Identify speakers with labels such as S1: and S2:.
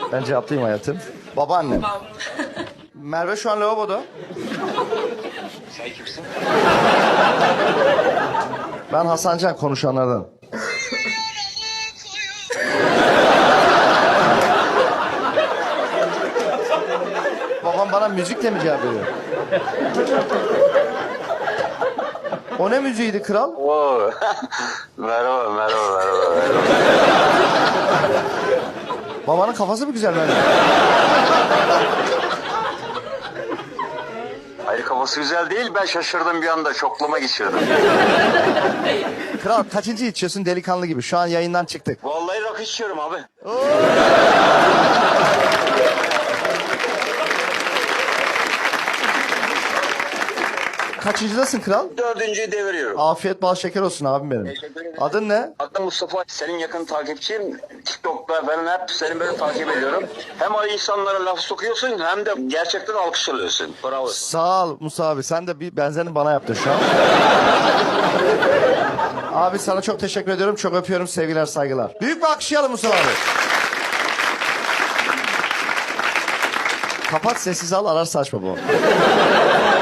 S1: Ben cevaplayayım hayatım. Babaannem.
S2: Babam.
S1: Merve şu an lavaboda.
S3: Sen kimsin?
S1: Ben Hasan Can, konuşanlardan. Babam bana müzikle mi cevap veriyor? O ne müziğiydi kral?
S3: Oo. merhaba.
S1: Babanın kafası mı güzel benim?
S3: Hayır, kafası güzel değil, ben şaşırdım bir anda, şoklama geçirdim.
S1: Kral kaçıncı içiyorsun delikanlı gibi? Şu an yayından çıktık.
S3: Vallahi rakı içiyorum abi.
S1: Kaçıncıdasın kral?
S3: 4.'yü deviriyorum.
S1: Afiyet bal şeker olsun abim benim.
S3: Teşekkür ederim.
S1: Adın ne?
S3: Adım Mustafa, senin yakın takipçiyim. TikTok'ta falan hep seni böyle takip ediyorum. Hem o insanlara laf sokuyorsun hem de gerçekten alkış alıyorsun. Bravo.
S1: Sağ ol Musa abi. Sen de bir benzerini bana yaptın şu an. Abi sana çok teşekkür ediyorum. Çok öpüyorum. Sevgiler, saygılar. Büyük bir alkışlayalım Musa abi. Kapat, sessiz al, ararsa açma bu.